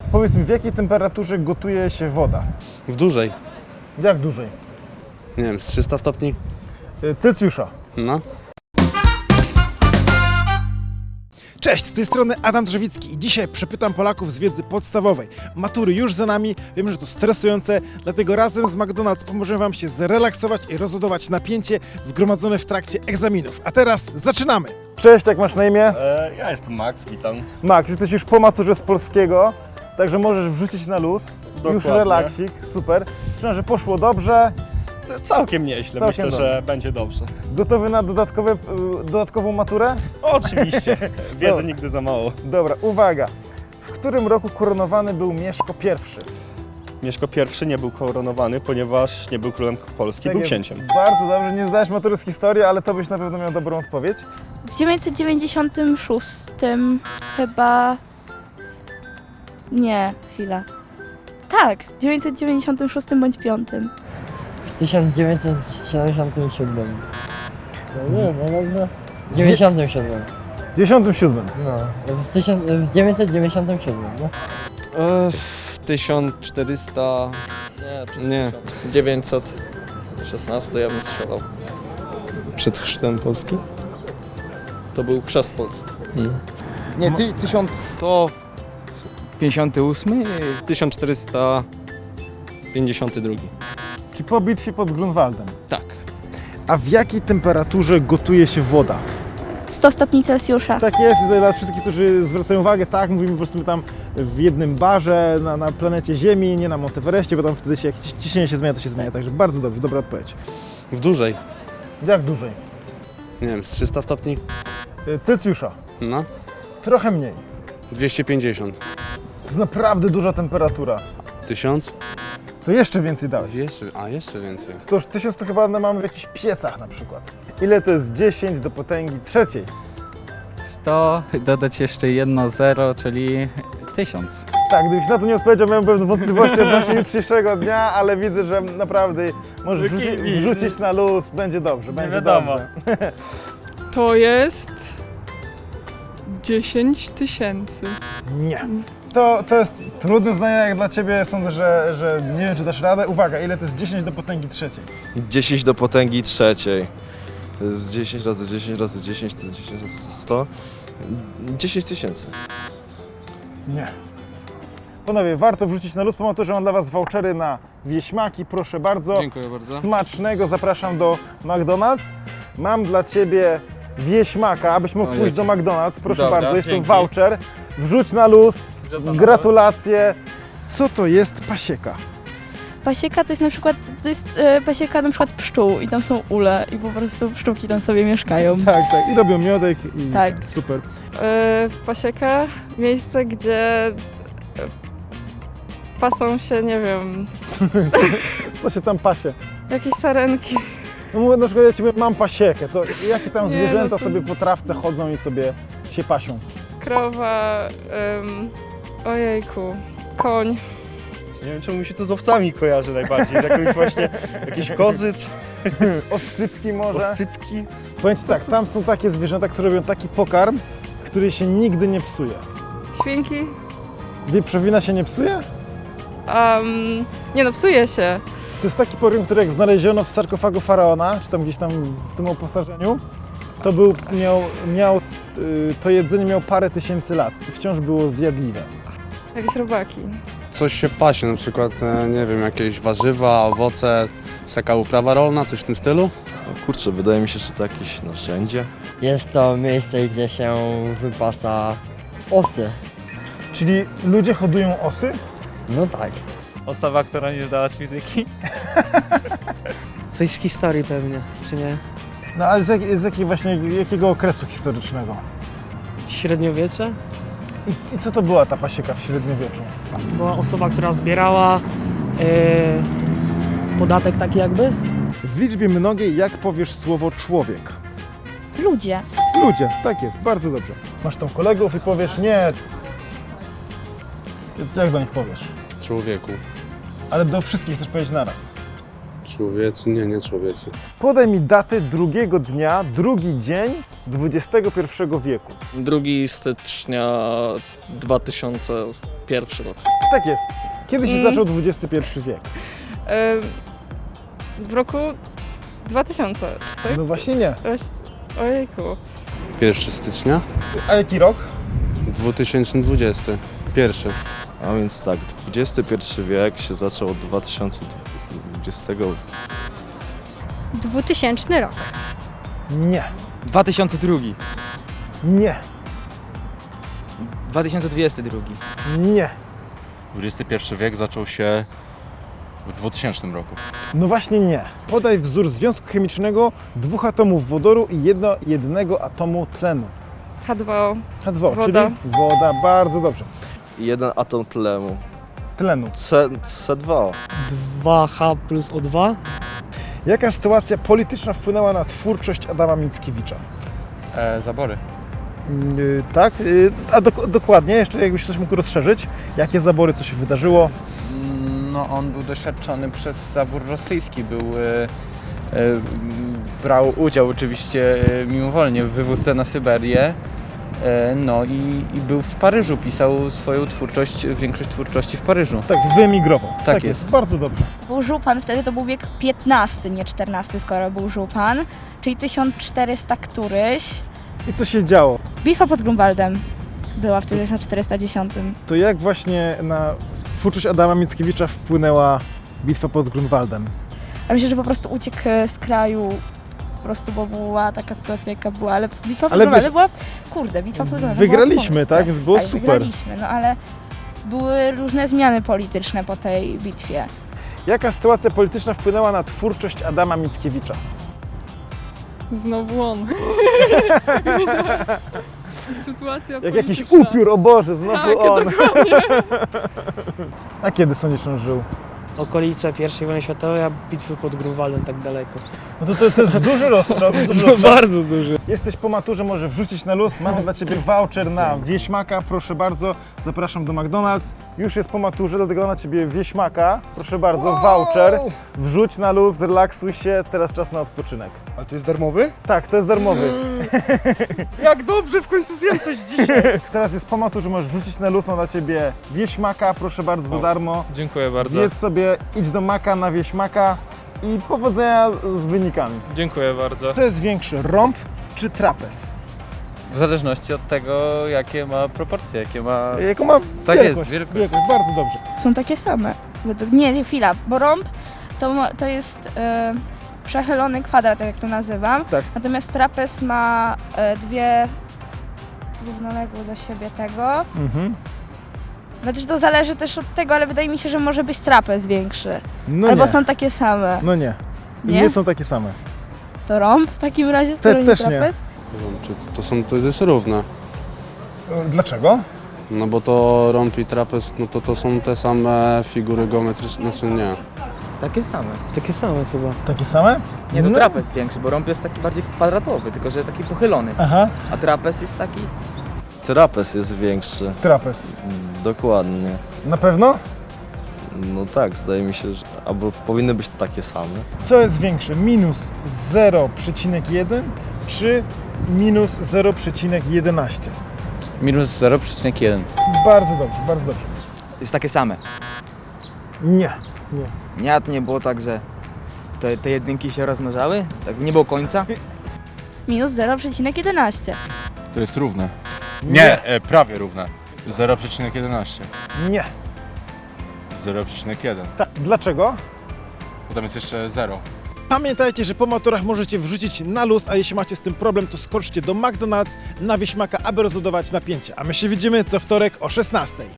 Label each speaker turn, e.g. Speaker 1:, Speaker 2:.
Speaker 1: Powiedz mi, w jakiej temperaturze gotuje się woda?
Speaker 2: W dużej.
Speaker 1: Jak dłużej?
Speaker 2: Nie wiem, z 300 stopni?
Speaker 1: Celsjusza.
Speaker 2: No.
Speaker 1: Cześć, z tej strony Adam Drzewicki i dzisiaj przepytam Polaków z wiedzy podstawowej. Matury już za nami, wiem, że to stresujące, dlatego razem z McDonald's pomożemy Wam się zrelaksować i rozładować napięcie zgromadzone w trakcie egzaminów. A teraz zaczynamy! Cześć, jak masz na imię?
Speaker 3: Ja jestem Max, witam.
Speaker 1: Max, jesteś już po maturze z polskiego, także możesz wrzucić na luz. Już
Speaker 3: Dokładnie.
Speaker 1: relaksik, super. Słyszałem, że poszło dobrze.
Speaker 3: Całkiem nieźle,
Speaker 1: Całkiem
Speaker 3: myślę, że będzie dobrze.
Speaker 1: Gotowy na dodatkową maturę?
Speaker 3: Oczywiście, wiedzy
Speaker 1: Dobra.
Speaker 3: nigdy za mało.
Speaker 1: Dobra, uwaga. W którym roku koronowany był Mieszko I?
Speaker 3: Mieszko I nie był koronowany, ponieważ nie był królem Polski,
Speaker 1: Tak
Speaker 3: był
Speaker 1: jest.
Speaker 3: księciem.
Speaker 1: Bardzo dobrze, nie zdałeś matury z historii, ale to byś na pewno miał dobrą odpowiedź.
Speaker 4: W 996 chyba... Nie, chwila. Tak, w 996 bądź 5.
Speaker 5: W 1977. No nie, no dobrze. W 97.
Speaker 1: W 97.
Speaker 5: No, w 997, no.
Speaker 6: W 1400... Nie, 916 ja bym strzelał.
Speaker 2: Przed chrztem Polski?
Speaker 6: To był chrzest Polski.
Speaker 7: Nie, 1158?
Speaker 2: 1452.
Speaker 1: Czyli po bitwie pod Grunwaldem.
Speaker 2: Tak.
Speaker 1: A w jakiej temperaturze gotuje się woda?
Speaker 4: 100 stopni Celsjusza.
Speaker 1: Tak jest, tutaj dla wszystkich, którzy zwracają uwagę, tak, mówimy po prostu tam w jednym barze na planecie Ziemi, nie na Monteverestie, bo tam wtedy się, jak ciśnienie się zmienia, to się zmienia, także bardzo dobrze, dobra odpowiedź.
Speaker 2: W dużej.
Speaker 1: Jak dłużej?
Speaker 2: Nie wiem, z 300 stopni?
Speaker 1: Celsjusza.
Speaker 2: No.
Speaker 1: Trochę mniej.
Speaker 2: 250.
Speaker 1: To jest naprawdę duża temperatura.
Speaker 2: 1000?
Speaker 1: To jeszcze więcej dałeś.
Speaker 2: Jeszcze więcej.
Speaker 1: To już 1000 to chyba mamy w jakichś piecach na przykład. Ile to jest 10 do potęgi trzeciej?
Speaker 7: 100, dodać jeszcze jedno zero, czyli 1000.
Speaker 1: Tak, gdybyś na to nie odpowiedział, miałem pewne wątpliwości odnośnie jutrzejszego dnia, ale widzę, że naprawdę możesz wrzucić na luz, będzie dobrze, będzie dobrze.
Speaker 8: To jest 10 tysięcy.
Speaker 1: Nie. To jest trudne zdanie jak dla Ciebie, sądzę, że nie wiem, czy dasz radę. Uwaga, ile to jest 10 do potęgi trzeciej?
Speaker 9: 10 do potęgi trzeciej. To jest 10 razy 10 razy 10 to 10 razy 100. 10 tysięcy.
Speaker 1: Nie. Panowie, warto wrzucić na luz, po maturze mam dla Was vouchery na wieśmaki, proszę bardzo.
Speaker 7: Dziękuję bardzo.
Speaker 1: Smacznego, zapraszam do McDonald's. Mam dla Ciebie wieśmaka, abyś mógł pójść do McDonald's, proszę
Speaker 7: Dobra,
Speaker 1: bardzo, jest
Speaker 7: dzięki.
Speaker 1: to voucher. Wrzuć na luz, gratulacje. Co to jest pasieka?
Speaker 4: Pasieka to jest na przykład, pasieka na przykład pszczół i tam są ule i po prostu pszczółki tam sobie mieszkają.
Speaker 1: Tak, i robią miodek i
Speaker 4: Tak.
Speaker 1: super.
Speaker 8: Pasieka, miejsce, gdzie pasą się, nie wiem,
Speaker 1: Co się tam pasie?
Speaker 8: jakieś sarenki.
Speaker 1: No mówię na przykład, ja Ci mówię, mam pasiekę, to jakie tam
Speaker 8: Nie,
Speaker 1: zwierzęta
Speaker 8: no to-
Speaker 1: sobie po trawce chodzą i sobie się pasią?
Speaker 8: Krowa, ojejku, koń.
Speaker 3: Nie wiem, czemu mi się to z owcami kojarzy najbardziej, z jakimś właśnie, jakieś kozy,
Speaker 1: Oscypki może?
Speaker 3: osypki.
Speaker 1: Powiem Ci tak, tam są takie zwierzęta, które robią taki pokarm, który się nigdy nie psuje.
Speaker 8: Świnki.
Speaker 1: Wieprzowina się nie psuje?
Speaker 8: Nie no, psuje się.
Speaker 1: To jest taki pokarm, który jak znaleziono w sarkofagu faraona, czy tam gdzieś tam w tym oposażeniu, to to jedzenie miało parę tysięcy lat i wciąż było zjadliwe.
Speaker 8: Jakieś robaki.
Speaker 2: Coś się pasie, na przykład, nie wiem, jakieś warzywa, owoce, jest taka uprawa rolna, coś w tym stylu?
Speaker 9: No kurczę, wydaje mi się, że to jakieś narzędzie.
Speaker 5: Jest to miejsce, gdzie się wypasa osy.
Speaker 1: Czyli ludzie hodują osy?
Speaker 5: No tak.
Speaker 3: Osoba, która nie zdała fizyki.
Speaker 10: Coś z historii pewnie, czy nie?
Speaker 1: No ale jakiego okresu historycznego?
Speaker 10: Średniowiecze?
Speaker 1: I co to była ta pasieka w średniowieczu?
Speaker 10: Była osoba, która zbierała podatek taki jakby?
Speaker 1: W liczbie mnogiej jak powiesz słowo człowiek?
Speaker 4: Ludzie.
Speaker 1: Ludzie, tak jest, bardzo dobrze. Masz tam kolegów i powiesz nie. Jak do nich powiesz?
Speaker 2: Człowieku.
Speaker 1: Ale do wszystkich chcesz powiedzieć naraz.
Speaker 2: Człowiecy? Nie człowiecy.
Speaker 1: Podaj mi datę drugiego dnia, drugi dzień XXI wieku.
Speaker 6: 2 stycznia 2000 Pierwszy rok.
Speaker 1: Tak jest. Kiedy się
Speaker 8: Mm.
Speaker 1: zaczął XXI wiek?
Speaker 8: W roku 2000, tak?
Speaker 1: No właśnie nie.
Speaker 8: Ojejku.
Speaker 2: 1 stycznia
Speaker 1: A jaki rok?
Speaker 2: 2020. Pierwszy.
Speaker 9: A więc tak, XXI wiek się zaczął od 2020.
Speaker 11: 2000 rok.
Speaker 1: Nie.
Speaker 7: 2002.
Speaker 1: Nie.
Speaker 7: 2022.
Speaker 1: Nie.
Speaker 12: XXI wiek zaczął się w 2000 roku.
Speaker 1: No właśnie nie. Podaj wzór związku chemicznego dwóch atomów wodoru i jednego atomu tlenu.
Speaker 8: H2O.
Speaker 1: H2O,
Speaker 8: Woda.
Speaker 1: czyli woda. Bardzo dobrze.
Speaker 9: Jeden atom tlenu.
Speaker 1: Tlenu.
Speaker 9: C2.
Speaker 10: 2H plus O2.
Speaker 1: Jaka sytuacja polityczna wpłynęła na twórczość Adama Mickiewicza?
Speaker 7: Zabory.
Speaker 1: Tak, a dokładnie, jeszcze jakbyś coś mógł rozszerzyć, jakie zabory, co się wydarzyło?
Speaker 7: No on był doświadczony przez zabór rosyjski, brał udział oczywiście mimowolnie w wywózce na Syberię. No i był w Paryżu, pisał swoją twórczość, większość twórczości w Paryżu.
Speaker 1: Tak, wyemigrował.
Speaker 7: Tak jest.
Speaker 1: Bardzo dobrze.
Speaker 4: Był żupan, wtedy to był wiek XV, nie XIV, skoro był żupan, czyli 1400 któryś.
Speaker 1: I co się działo?
Speaker 4: Bitwa pod Grunwaldem była w 1410.
Speaker 1: To jak właśnie na twórczość Adama Mickiewicza wpłynęła bitwa pod Grunwaldem?
Speaker 4: A myślę, że po prostu uciekł z kraju, po prostu, bo była taka sytuacja, jaka była, ale bitwa pod
Speaker 1: Ale
Speaker 4: Grunwaldem była, kurde, bitwa pod Grunwaldem
Speaker 1: wygraliśmy,
Speaker 4: była w Polsce.
Speaker 1: tak? Więc było
Speaker 4: Tak,
Speaker 1: super.
Speaker 4: wygraliśmy, no ale były różne zmiany polityczne po tej bitwie.
Speaker 1: Jaka sytuacja polityczna wpłynęła na twórczość Adama Mickiewicza?
Speaker 8: Znowu on. Sytuacja
Speaker 1: Jak jakiś upiór, o Boże, znowu on. A kiedy sądzisz, on żył?
Speaker 10: Okolice I wojny światowej, a bitwy pod Grunwaldem tak daleko.
Speaker 1: No to jest duży rozstrzał.
Speaker 10: Bardzo duży.
Speaker 1: Jesteś po maturze, możesz wrzucić na luz. Mam dla Ciebie voucher na wieśmaka, proszę bardzo. Zapraszam do McDonald's. Już jest po maturze, dlatego na Ciebie wieśmaka. Proszę bardzo, voucher. Wrzuć na luz, zrelaksuj się. Teraz czas na odpoczynek.
Speaker 3: Ale to jest darmowy?
Speaker 1: Tak, to jest darmowy.
Speaker 3: Jak dobrze, w końcu zjem coś dzisiaj.
Speaker 1: Teraz jest po maturze, możesz wrzucić na luz. Mam dla Ciebie wieśmaka, proszę bardzo, za darmo.
Speaker 6: Dziękuję bardzo.
Speaker 1: Zjedz sobie, idź do Maka na wieśmaka i powodzenia z wynikami.
Speaker 6: Dziękuję bardzo.
Speaker 1: To jest większy, rąb czy trapez?
Speaker 7: W zależności od tego, jakie ma proporcje, jakie ma...
Speaker 1: Jaką ma
Speaker 7: Tak
Speaker 1: wielkość?
Speaker 7: jest, wielkość.
Speaker 1: Bardzo dobrze.
Speaker 4: Są takie same. Nie, chwila, bo rąb to jest przechylony kwadrat, tak jak to nazywam.
Speaker 1: Tak.
Speaker 4: Natomiast trapez ma dwie równoległe do siebie tego.
Speaker 1: Mhm.
Speaker 4: Znaczy to zależy też od tego, ale wydaje mi się, że może być trapez większy.
Speaker 1: No
Speaker 4: Albo
Speaker 1: nie.
Speaker 4: są takie same.
Speaker 1: No nie. I
Speaker 4: Nie?
Speaker 1: nie są takie same.
Speaker 4: To rąb w takim razie, skoro nie
Speaker 1: też nie.
Speaker 4: trapez?
Speaker 2: To jest równe.
Speaker 1: Dlaczego?
Speaker 2: No bo to rąb i trapez, no to są te same figury geometryczne, znaczy nie.
Speaker 7: Takie same.
Speaker 10: Takie same chyba.
Speaker 1: Takie same?
Speaker 7: Nie, to
Speaker 1: No.
Speaker 7: trapez większy, bo rąb jest taki bardziej kwadratowy, tylko że taki pochylony.
Speaker 1: Aha,
Speaker 7: A trapez jest taki...
Speaker 9: Trapez jest większy.
Speaker 1: trapez.
Speaker 9: Dokładnie.
Speaker 1: Na pewno?
Speaker 9: No tak, zdaje mi się, że albo powinny być takie same.
Speaker 1: Co jest większe? Minus 0,1 czy minus 0,11?
Speaker 7: Minus 0,1.
Speaker 1: Bardzo dobrze, bardzo dobrze.
Speaker 7: Jest takie same.
Speaker 1: Nie.
Speaker 7: Nie, a to nie było tak, że te jedynki się rozmnażały? Tak nie było końca?
Speaker 4: Minus 0,11.
Speaker 12: To jest równe. Nie, prawie równe. 0,11.
Speaker 1: Nie.
Speaker 12: 0,1.
Speaker 1: Dlaczego?
Speaker 12: Potem jest jeszcze 0.
Speaker 1: Pamiętajcie, że po maturach możecie wrzucić na luz, a jeśli macie z tym problem, to skoczcie do McDonald's na wieśmaka, aby rozładować napięcie. A my się widzimy co wtorek o 16:00.